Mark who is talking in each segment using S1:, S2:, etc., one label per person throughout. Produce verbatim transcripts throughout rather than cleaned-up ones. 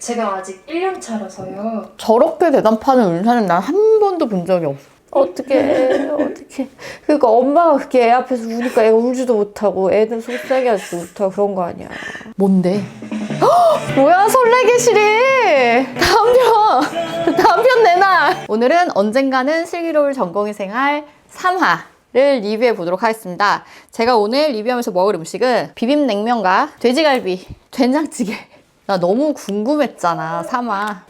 S1: 제가 아직 일 년 차라서요.
S2: 저렇게 대답하는 은사는 난 한 번도 본 적이 없어. 어떡해, 어떡해. 그러니까 엄마가 그렇게 애 앞에서 우니까 애가 울지도 못하고 애는 속상해 하지도 못하고 그런 거 아니야. 뭔데? 헉! 뭐야, 설레게 시리! 다음 편! 다음 편 내놔! 오늘은 언젠가는 슬기로울 전공의 생활 삼 화를 리뷰해 보도록 하겠습니다. 제가 오늘 리뷰하면서 먹을 음식은 비빔냉면과 돼지갈비, 된장찌개. 나 너무 궁금했잖아, 삼 화.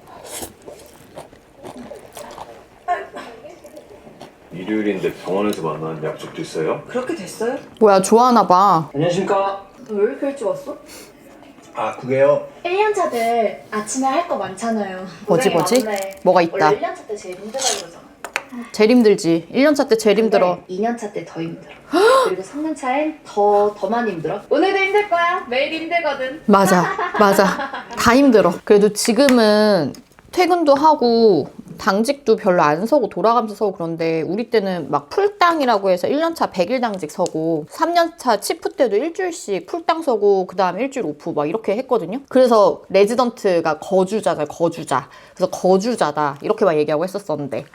S3: 일요일인데 병원에서 만나는 약속도 있어요?
S4: 그렇게 됐어요?
S2: 뭐야, 좋아하나 봐.
S5: 안녕하십니까.
S4: 너 왜 이렇게 일찍 왔어?
S5: 아, 그게요.
S1: 일 년 차들 아침에 할 거 많잖아요.
S2: 뭐지,
S1: 원래,
S2: 뭐지?
S1: 원래,
S2: 뭐가 있다.
S1: 원래 일 년 차 때 제일 힘들다 그러잖아.
S2: 제일 힘들지. 일 년 차 때 제일 힘들어.
S1: 이 년 차 때 더 힘들어. 그리고 삼 년 차엔 더, 더 많이 힘들어. 오늘도 힘들 거야. 매일 힘들거든.
S2: 맞아, 맞아. 다 힘들어. 그래도 지금은 퇴근도 하고 당직도 별로 안 서고 돌아가면서 서고 그런데 우리 때는 막 풀당이라고 해서 일 년 차 백 일 당직 서고 삼 년 차 치프 때도 일주일씩 풀당 서고 그 다음에 일주일 오프 막 이렇게 했거든요. 그래서 레지던트가 거주자잖아요, 거주자. 그래서 거주자다 이렇게 막 얘기하고 했었었는데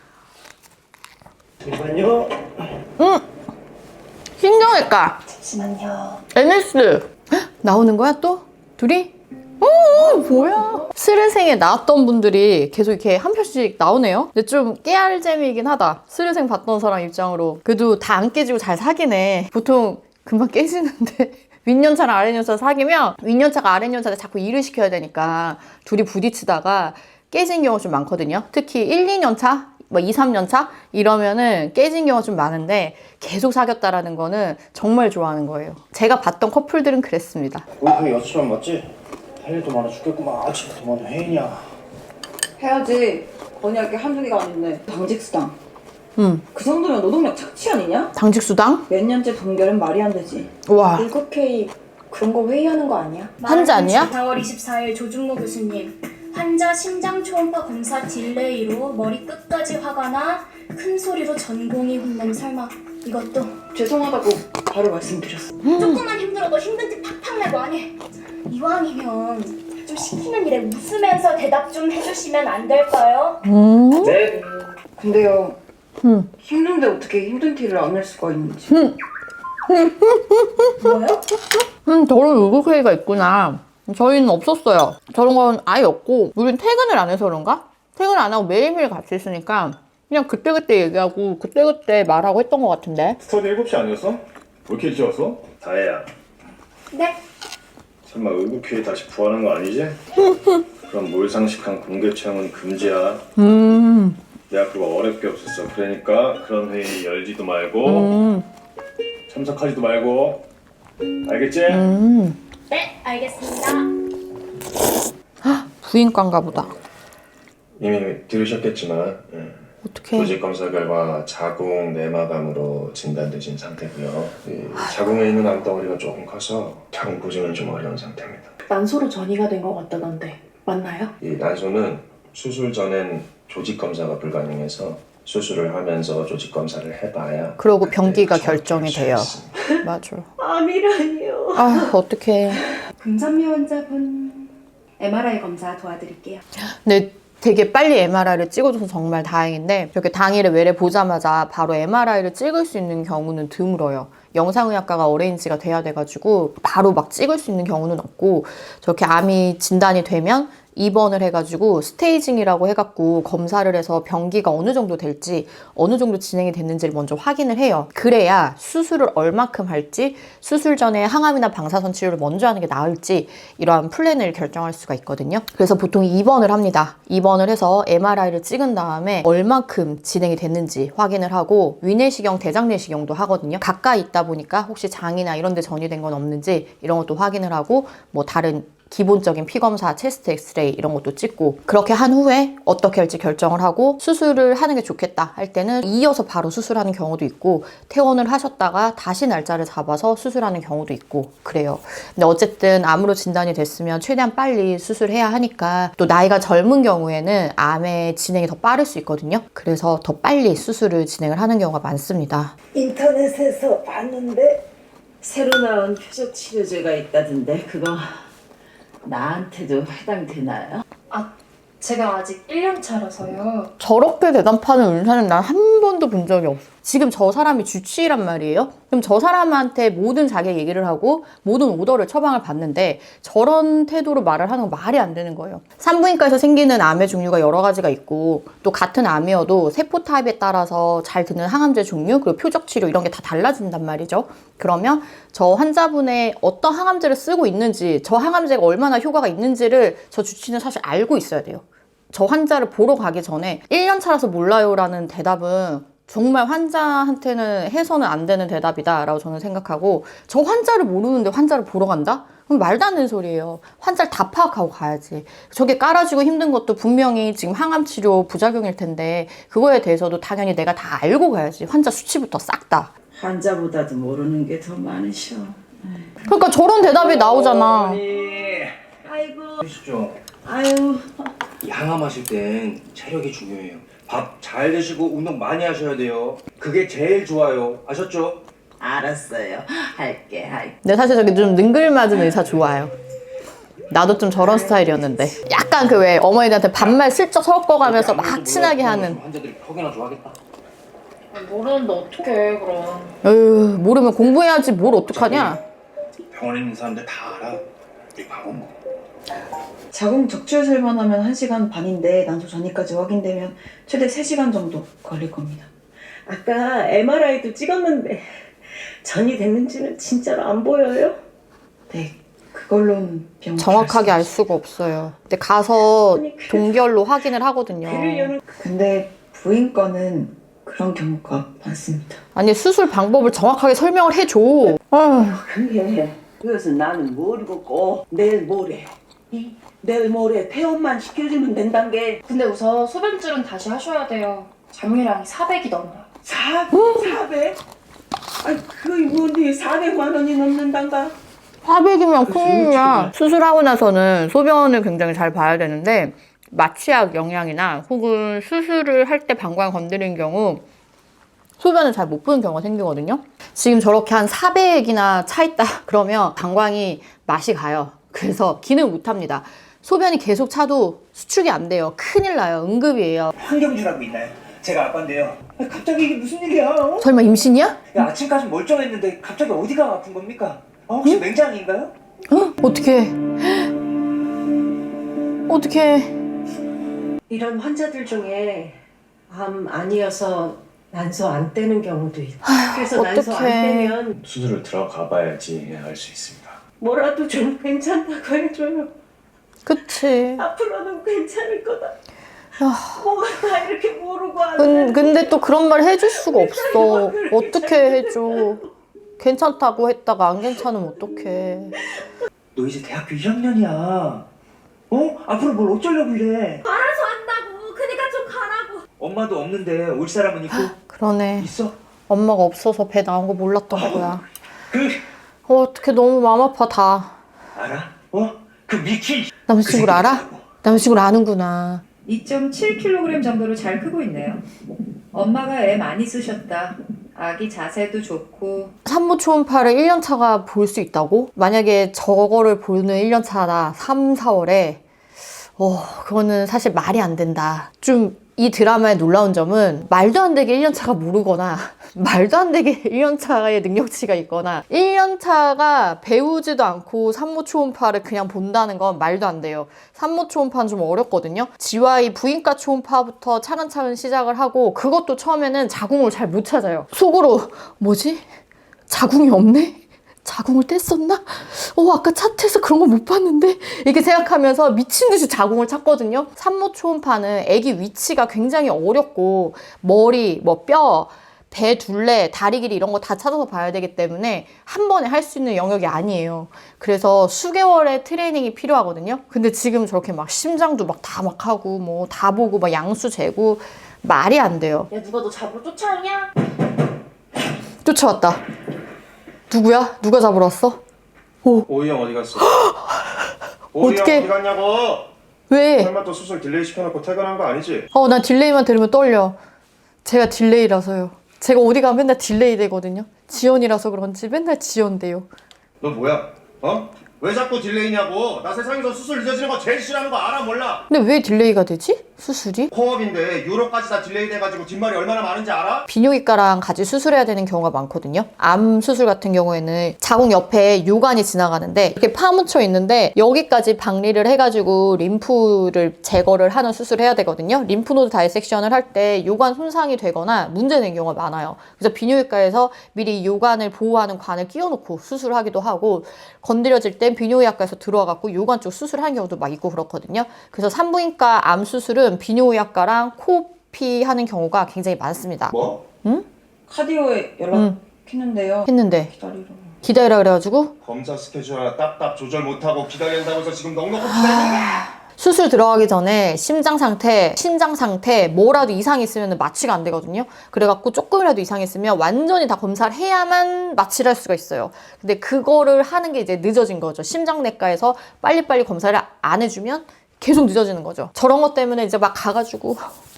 S5: 잠시만요.
S2: 응! 신경외과
S1: 잠시만요.
S2: 엔에스 헉, 나오는 거야 또? 둘이? 어, 뭐야. 스르생에 나왔던 분들이 계속 이렇게 한 편씩 나오네요. 근데 좀 깨알 재미이긴 하다. 스르생 봤던 사람 입장으로. 그래도 다 안 깨지고 잘 사귀네. 보통 금방 깨지는데 윗년차랑 아랫년차 사귀면 윗년차가 아랫년차한테 자꾸 일을 시켜야 되니까 둘이 부딪히다가 깨진 경우가 좀 많거든요. 특히 일, 이 년 차? 뭐 이, 삼 년 차? 이러면은 깨진 경우가 좀 많은데 계속 사귀었다라는 거는 정말 좋아하는 거예요. 제가 봤던 커플들은 그랬습니다.
S5: 우리 그 여친만 맞지? 할 일도 많아 죽겠구만. 아침부터 뭐는 회의냐.
S4: 해야지. 건의할 게 한두 개가 아닌데. 당직수당.
S2: 음,
S4: 그 정도면 노동력 착취 아니냐?
S2: 당직수당?
S4: 몇 년째 동결은 말이 안 되지.
S2: 와,
S1: 일급회의 그런 거 회의하는 거 아니야?
S2: 환자 아니야?
S6: 사월 이십사일 조준모 교수님, 환자 심장 초음파 검사 딜레이로 머리 끝까지 화가 나 큰 소리로 전공이 혼남. 설마 이것도
S4: 죄송하다고 바로 말씀드렸어.
S6: 조금만 힘들어도 힘든 티 팍팍 내고 하니. 이왕이면 좀 시키는 일에 웃으면서 대답 좀 해주시면 안 될까요?
S2: 음,
S5: 네.
S4: 근데요.
S2: 음.
S4: 힘든데 어떻게 힘든 티를 안 낼 수가 있는지.
S6: 뭐요?
S2: 음, 저런 의국회의가 있구나. 저희는 없었어요. 저런 건 아예 없고, 우린 퇴근을 안 해서 그런가? 퇴근 안 하고 매일매일 같이 있으니까 그냥 그때그때 얘기하고 그때그때 말하고 했던 것 같은데.
S3: 스터디 일곱 시 아니었어? 왜 이렇게 일찍 왔어? 다혜야,
S6: 네.
S3: 설마 의국회의 다시 부활한 거 아니지? 그럼 몰상식한 공개 채용은 금지야.
S2: 음,
S3: 내가 그거 어렵게 없었어. 그러니까 그런 회의 열지도 말고
S2: 음,
S3: 참석하지도 말고. 알겠지?
S2: 음.
S6: 네, 알겠습니다.
S2: 부인과인가 보다.
S3: 이미 들으셨겠지만 예.
S2: 어떡해.
S3: 조직 검사 결과 자궁 내막암으로 진단되신 상태고요. 이 자궁에 있는 암덩어리가 조금 커서 자궁 보증은 좀 어려운 상태입니다.
S1: 난소로 전이가 된 것 같다던데 맞나요?
S3: 이 난소는 수술 전엔 조직 검사가 불가능해서 수술을 하면서 조직 검사를 해봐야
S2: 그러고
S3: 그때
S2: 병기가
S3: 정확히
S2: 결정이
S3: 알수
S2: 돼요.
S3: 있습니다.
S2: 맞아.
S4: 아미라니요.
S2: 아, 어떡해.
S1: 금산미 환자분 엠알아이 검사 도와드릴게요.
S2: 근데 되게 빨리 엠알아이를 찍어줘서 정말 다행인데 이렇게 당일에 외래 보자마자 바로 엠알아이를 찍을 수 있는 경우는 드물어요. 영상의학과가 어레인지가 돼야 돼가지고 바로 막 찍을 수 있는 경우는 없고 저렇게 암이 진단이 되면 입원을 해가지고 스테이징이라고 해갖고 검사를 해서 병기가 어느 정도 될지 어느 정도 진행이 됐는지를 먼저 확인을 해요. 그래야 수술을 얼마큼 할지 수술 전에 항암이나 방사선 치료를 먼저 하는 게 나을지 이러한 플랜을 결정할 수가 있거든요. 그래서 보통 입원을 합니다. 입원을 해서 엠알아이를 찍은 다음에 얼마큼 진행이 됐는지 확인을 하고 위내시경, 대장내시경도 하거든요. 가까이 있다 보니까 혹시 장이나 이런 데 전이된 건 없는지 이런 것도 확인을 하고 뭐 다른 기본적인 피검사, 체스트 엑스레이 이런 것도 찍고 그렇게 한 후에 어떻게 할지 결정을 하고 수술을 하는 게 좋겠다 할 때는 이어서 바로 수술하는 경우도 있고 퇴원을 하셨다가 다시 날짜를 잡아서 수술하는 경우도 있고 그래요. 근데 어쨌든 암으로 진단이 됐으면 최대한 빨리 수술해야 하니까 또 나이가 젊은 경우에는 암의 진행이 더 빠를 수 있거든요. 그래서 더 빨리 수술을 진행을 하는 경우가 많습니다.
S4: 인터넷에서 봤는데 새로 나온 표적 치료제가 있다던데 그거 나한테도 해당되나요?
S6: 아, 제가 아직 일 년 차라서요.
S2: 저렇게 대답하는 의사는 난 한 번도 본 적이 없어. 지금 저 사람이 주치의란 말이에요? 그럼 저 사람한테 모든 자기 얘기를 하고 모든 오더를 처방을 받는데 저런 태도로 말을 하는 건 말이 안 되는 거예요. 산부인과에서 생기는 암의 종류가 여러 가지가 있고 또 같은 암이어도 세포 타입에 따라서 잘 드는 항암제 종류 그리고 표적 치료 이런 게 다 달라진단 말이죠. 그러면 저 환자분의 어떤 항암제를 쓰고 있는지 저 항암제가 얼마나 효과가 있는지를 저 주치의는 사실 알고 있어야 돼요. 저 환자를 보러 가기 전에 일 년 차라서 몰라요라는 대답은 정말 환자한테는 해서는 안 되는 대답이다 라고 저는 생각하고 저 환자를 모르는데 환자를 보러 간다? 그럼 말도 안 되는 소리예요. 환자를 다 파악하고 가야지. 저게 깔아주고 힘든 것도 분명히 지금 항암치료 부작용일 텐데 그거에 대해서도 당연히 내가 다 알고 가야지. 환자 수치부터 싹 다.
S4: 환자보다도 모르는 게 더 많으셔.
S2: 그러니까 저런 대답이 나오잖아.
S5: 어머니.
S4: 아이고.
S5: 보시죠.
S4: 아유.
S5: 양암하실 땐 체력이 중요해요. 밥 잘 드시고 운동 많이 하셔야 돼요. 그게 제일 좋아요. 아셨죠?
S4: 알았어요. 할게, 할게.
S2: 근데 사실 저기 좀 능글맞은 의사 좋아요. 나도 좀 저런 스타일이었는데. 약간 그 왜 어머니들한테 반말 슬쩍 섞어가면서 막 친하게 하는.
S5: 환자들이 퍽이나 좋아하겠다.
S1: 모르는데 어떡해 그럼.
S2: 에휴, 모르면 공부해야지 뭘 어떡하냐.
S5: 병원에 있는 사람들 다 알아. 우리 밥은 뭐.
S4: 자궁 적출술만 하면 한 시간 반인데 난소 전이까지 확인되면 최대 세 시간 정도 걸릴 겁니다.
S7: 아까 엠알아이도 찍었는데 전이 됐는지는 진짜로 안 보여요?
S4: 네, 그걸로는 병
S2: 정확하게 알 수가 없어요. 근데 가서 동결로 확인을 하거든요.
S7: 귀를 여는
S4: 근데 부인과는 그런 경우가 많습니다.
S2: 아니 수술 방법을 정확하게 설명을 해줘. 아휴.
S7: 그게 그것은 나는 모르고 꼭 내일 모레 이 내일 모레 퇴원만 시켜주면 된단 게
S1: 근데 우선 소변줄은 다시 하셔야 돼요. 잔류량이 사백이 넘어요.
S7: 사, 사백? 아니 그게 뭔데 사백만 원이 넘는단가?
S2: 사백이면 큰일이야. 수술하고 나서는 소변을 굉장히 잘 봐야 되는데 마취약 영향이나 혹은 수술을 할 때 방광 건드린 경우 소변을 잘 못 보는 경우가 생기거든요. 지금 저렇게 한 사백이나 차 있다 그러면 방광이 맛이 가요. 그래서 기능 못 합니다. 소변이 계속 차도 수축이 안 돼요. 큰일 나요. 응급이에요.
S5: 황경주라고 있나요? 제가 아빠인데요. 아니, 갑자기 이게 무슨 일이야? 어?
S2: 설마 임신이야?
S5: 야, 아침까지 멀쩡했는데 갑자기 어디가 아픈 겁니까? 어, 혹시 맹장인가요?
S2: 어? 어떡해. 어떡해.
S7: 이런 환자들 중에 암 아니어서 난소 안 떼는 경우도 있고 그래서 난소 안
S2: 어떡해.
S7: 떼면
S3: 수술을 들어가 봐야지 알 수 있습니다.
S7: 뭐라도 좀 괜찮다고 해줘요.
S2: 그치.
S7: 앞으로는 괜찮을 거다.
S2: 아.
S7: 뭐가 다 이렇게 모르고 안
S2: 근,
S7: 돼.
S2: 근데 또 그런 말 해줄 수가 없어. 어떻게 해줘. 괜찮다고 했다가 안 괜찮으면 어떡해.
S5: 너 이제 대학교 일 학년이야. 어? 앞으로 뭘 어쩌려고 이래?
S6: 알아서 한다고. 그니까 좀 가라고.
S5: 엄마도 없는데 올 사람은 있고
S2: 그러네.
S5: 있어?
S2: 엄마가 없어서 배 나온 거 몰랐던 거야.
S5: 그
S2: 어, 어떡해. 너무 마음 아파, 다.
S5: 알아? 어? 그 미키.
S2: 남자친구를 알아? 남자친구를 아는구나.
S8: 이 점 칠 킬로그램 정도로 잘 크고 있네요. 엄마가 애 많이 쓰셨다. 아기 자세도 좋고.
S2: 산모 초음파를 일 년 차가 볼 수 있다고? 만약에 저거를 보는 일 년 차다. 삼, 사월에 어, 그거는 사실 말이 안 된다. 좀 이 드라마의 놀라운 점은 말도 안 되게 일 년 차가 모르거나 말도 안 되게 일 년 차의 능력치가 있거나 일 년 차가 배우지도 않고 산모 초음파를 그냥 본다는 건 말도 안 돼요. 산모 초음파는 좀 어렵거든요. 지와이 부인과 초음파부터 차근차근 시작을 하고 그것도 처음에는 자궁을 잘 못 찾아요. 속으로 뭐지? 자궁이 없네? 자궁을 뗐었나? 어, 아까 차트에서 그런 거 못 봤는데? 이렇게 생각하면서 미친 듯이 자궁을 찾거든요. 산모 초음파는 아기 위치가 굉장히 어렵고 머리, 뭐 뼈, 배 둘레, 다리 길이 이런 거 다 찾아서 봐야 되기 때문에 한 번에 할 수 있는 영역이 아니에요. 그래서 수개월의 트레이닝이 필요하거든요. 근데 지금 저렇게 막 심장도 막 다 막 하고 뭐 다 보고 막 양수 재고 말이 안 돼요.
S1: 야 누가 너 잡으러 쫓아오냐?
S2: 쫓아왔다. 누구야? 누가 잡으러 왔어? 오.
S3: 오이 형 어디 갔어? 오이 형
S2: 어떡해.
S3: 어디 갔냐고?
S2: 왜?
S3: 설마 또 수술 딜레이 시켜놓고 퇴근한 거 아니지?
S2: 어, 나 딜레이만 들으면 떨려. 제가 딜레이라서요. 제가 어디 가면 맨날 딜레이 되거든요. 지연이라서 그런지 맨날 지연돼요.
S3: 너 뭐야? 어? 왜 자꾸 딜레이냐고. 나 세상에서 수술 늦어지는 거 제일 싫어하는 거 알아 몰라?
S2: 근데 왜 딜레이가 되지? 수술이?
S3: 코업인데 유럽까지 다 딜레이 돼가지고 뒷말이 얼마나 많은지 알아?
S2: 비뇨기과랑 같이 수술해야 되는 경우가 많거든요. 암 수술 같은 경우에는 자궁 옆에 요관이 지나가는데 이렇게 파묻혀 있는데 여기까지 박리를 해가지고 림프를 제거를 하는 수술을 해야 되거든요. 림프노드 다이섹션을 할 때 요관 손상이 되거나 문제된 경우가 많아요. 그래서 비뇨기과에서 미리 요관을 보호하는 관을 끼워놓고 수술하기도 하고, 건드려질 땐 비뇨의학과에서 들어와갖고 요관 쪽 수술하는 경우도 막 있고 그렇거든요. 그래서 산부인과 암 수술은 비뇨의학과랑 코피 하는 경우가 굉장히 많습니다.
S3: 뭐?
S2: 응?
S4: 카디오에
S2: 응.
S4: 연락했는데요.
S2: 했는데
S4: 기다리러.
S2: 기다리라 그래가지고
S3: 검사 스케줄 하나 딱딱 조절 못하고 기다린다고 해서 지금 넉넉히 기다리는 거야.
S2: 수술 들어가기 전에 심장 상태, 신장 상태 뭐라도 이상이 있으면 마취가 안 되거든요. 그래갖고 조금이라도 이상이 있으면 완전히 다 검사를 해야만 마취를 할 수가 있어요. 근데 그거를 하는 게 이제 늦어진 거죠. 심장내과에서 빨리빨리 검사를 안 해주면 계속 늦어지는 거죠. 저런 것 때문에 이제 막 가가지고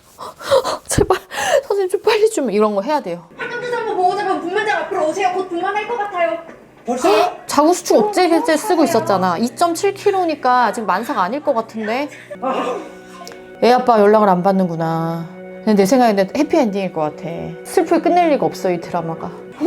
S2: 제발 선생님 좀 빨리 좀 이런 거 해야 돼요.
S6: 한강대장부 보호자분 분만장 앞으로 오세요. 곧 분만할 것 같아요.
S5: 벌써?
S2: 자궁수축 억제제 쓰고 있었잖아. 이 점 칠 킬로그램이니까 아직 만사가 아닐 것 같은데. 애 아빠 연락을 안 받는구나. 근데 내 생각에는 해피엔딩일 것 같아. 슬프게 끝낼 리가 없어, 이 드라마가.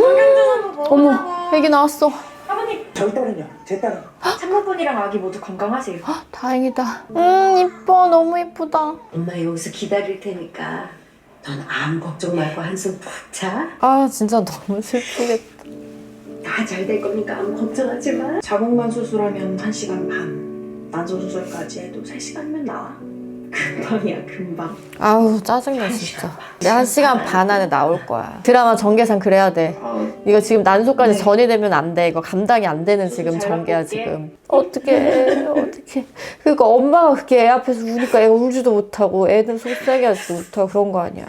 S2: 어머, 애기 나왔어.
S6: 아버님,
S5: 저희 딸은요? 제 딸은?
S6: 산모분이랑 아기 모두 건강하세요.
S2: 다행이다. 음, 이뻐. 너무 이쁘다.
S7: 엄마 여기서 기다릴 테니까 넌 아무 걱정 말고 한숨 푹 자.
S2: 아, 진짜 너무 슬프겠다.
S7: 다 잘 될 거니까 아무 걱정하지 마.
S4: 자궁만 수술하면 한 시간 반. 난소 수술까지 해도 세 시간이면 나와. 금방이야 금방.
S2: 아우, 짜증나, 진짜. 내가 한 시간 반 안에 나올 거야. 드라마 전개상 그래야 돼. 이거 지금 난소까지
S4: 네.
S2: 전이되면 안 돼. 이거 감당이 안 되는 지금 전개야, 지금. 어떡해, 어떡해. 그러니까 엄마가 그렇게 애 앞에서 우니까 애가 울지도 못하고 애는 속상해 하지도 못하고 그런 거 아니야.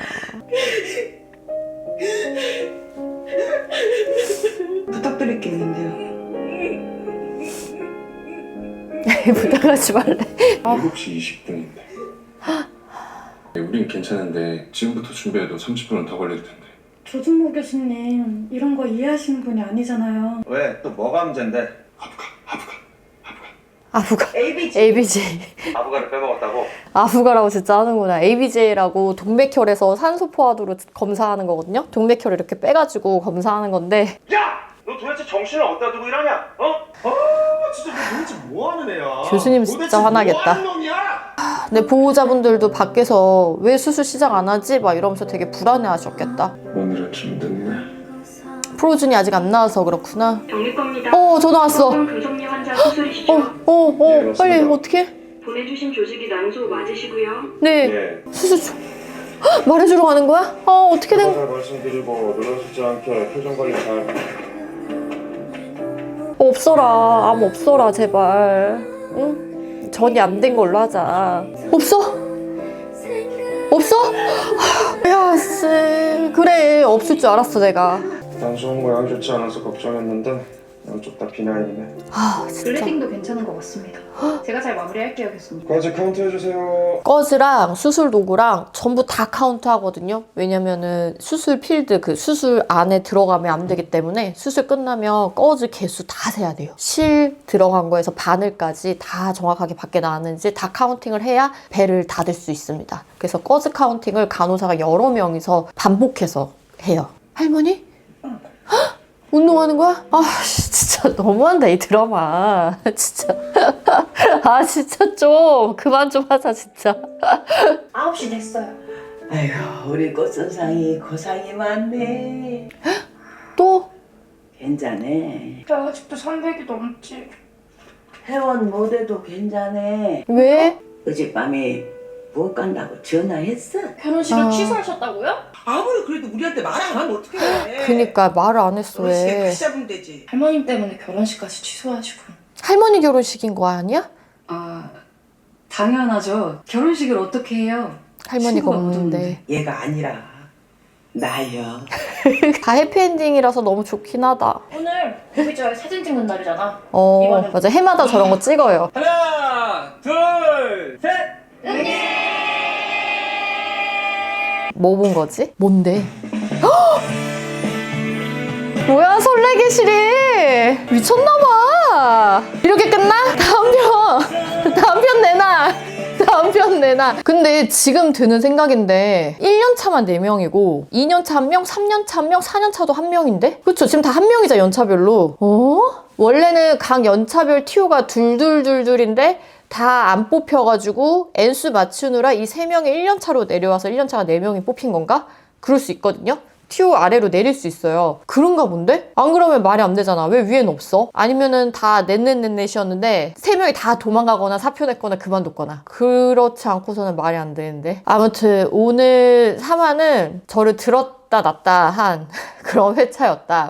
S4: 부탁드릴 게 있는데요.
S2: 부탁하지 말래.
S3: 일곱 시 이십 분인데. 우린 괜찮은데 지금부터 준비해도 삼십 분은 더 걸릴 텐데.
S6: 조준모 교수님, 이런 거 이해하시는 분이 아니잖아요.
S3: 왜? 또 뭐가 문제인데? 아부가, 아부가, 아부가.
S2: 아부가.
S4: 에이비지.
S2: 에이비제이.
S3: 아부가를 빼먹었다고?
S2: 아부가라고 진짜 하는구나. 에이비제이라고 동맥혈에서 산소 포화도로 검사하는 거거든요. 동맥혈을 이렇게 빼가지고 검사하는 건데.
S3: 야! 너 도대체 정신을 어디다 두고 일하냐? 어? 아 진짜 너 도대체 뭐하는 애야?
S2: 교수님 진짜
S3: 도대체
S2: 화나겠다.
S3: 뭐하는 놈이야?
S2: 근데 보호자분들도 밖에서 왜 수술 시작 안 하지? 막 이러면서 되게 불안해 하셨겠다.
S3: 오늘은 좀 늦네.
S2: 프로준이 아직 안 나와서 그렇구나.
S9: 병리과입니다.
S2: 어, 전화 왔어. 어,
S9: 금속류 환자 수술이시죠?
S2: 어, 어,
S3: 예, 맞습니다.
S2: 빨리 어떻게?
S9: 보내주신 조직이 난소 맞으시고요.
S2: 네,
S3: 예.
S2: 수술 좀 헉, 말해주러 가는 거야? 어, 어떻게 된?
S3: 잘 말씀드리고 늘어지지 않게 표정 관리 잘.
S2: 없어라, 암 없어라, 제발. 응? 전이 안 된 걸로 하자. 없어? 없어? 야, 씨, 그래, 없을 줄 알았어 내가.
S3: 난소 모양이 좋지 않아서 걱정했는데 양쪽 다 비나인이네.
S2: 아, 진짜.
S1: 블레딩도 괜찮은 것 같습니다. 제가 잘 마무리할게요, 교수님.
S3: 과제 카운트 해주세요.
S2: 꺼즈랑 수술 도구랑 전부 다 카운트 하거든요. 왜냐면은 수술 필드, 그 수술 안에 들어가면 안 되기 때문에 수술 끝나면 꺼즈 개수 다 세야 돼요. 실 들어간 거에서 바늘까지 다 정확하게 밖에 나왔는지 다 카운팅을 해야 배를 닫을 수 있습니다. 그래서 꺼즈 카운팅을 간호사가 여러 명이서 반복해서 해요. 할머니? 헉? 운동하는 거야? 아 진짜 너무한다 이 드라마. 진짜 아 진짜 좀 그만 좀 하자 진짜.
S6: 아홉 시 됐어요.
S7: 아이고 우리 꽃선상이 고상이 많네.
S2: 또?
S7: 괜찮네.
S6: 나 아직도 삼백이 넘지.
S7: 회원 못해도 괜찮네.
S2: 왜?
S7: 어젯밤에 못 간다고 전화했어?
S6: 결혼식을
S2: 아.
S6: 취소하셨다고요?
S10: 아무리 그래도 우리한테 말 안 하면 어떡해.
S2: 그니까 말을 안 했어.
S10: 결혼식에
S2: 왜?
S10: 같이 잡으면 되지.
S6: 할머님 때문에 결혼식까지 취소하시고.
S2: 할머니 결혼식인 거 아니야?
S11: 아, 당연하죠. 결혼식을 어떻게 해요?
S2: 할머니가
S11: 친구가
S2: 없는데.
S10: 얘가 아니라 나요.
S2: 다 해피엔딩이라서 너무 좋긴 하다.
S6: 오늘 무비저의 사진 찍는 날이잖아.
S2: 어
S6: 이거는-
S2: 맞아, 해마다 저런 거 찍어요.
S5: 하나, 둘, 셋!
S2: 뭐 본 거지? 뭔데? 헉! 뭐야 설레게실이 미쳤나봐. 와 이렇게 끝나? 다음 편 다음 편 내놔 다음 편 내놔. 근데 지금 드는 생각인데 일 년 차만 네 명이고 이 년 차 한 명, 삼 년 차 한 명, 사 년 차도 한 명인데? 그쵸? 지금 다 한 명이자 연차별로. 어? 원래는 각 연차별 티오가 둘둘둘둘인데 다 안 뽑혀가지고 N수 맞추느라 이 세 명이 일 년 차로 내려와서 일 년 차가 네 명이 뽑힌 건가? 그럴 수 있거든요? 티오 아래로 내릴 수 있어요. 그런가 본데? 안 그러면 말이 안 되잖아. 왜 위엔 없어? 아니면은 다 넷넷넷넷이었는데 세 명이 다 도망가거나 사표 냈거나 그만뒀거나 그렇지 않고서는 말이 안 되는데. 아무튼 오늘 삼 화는 저를 들었다 놨다 한 그런 회차였다.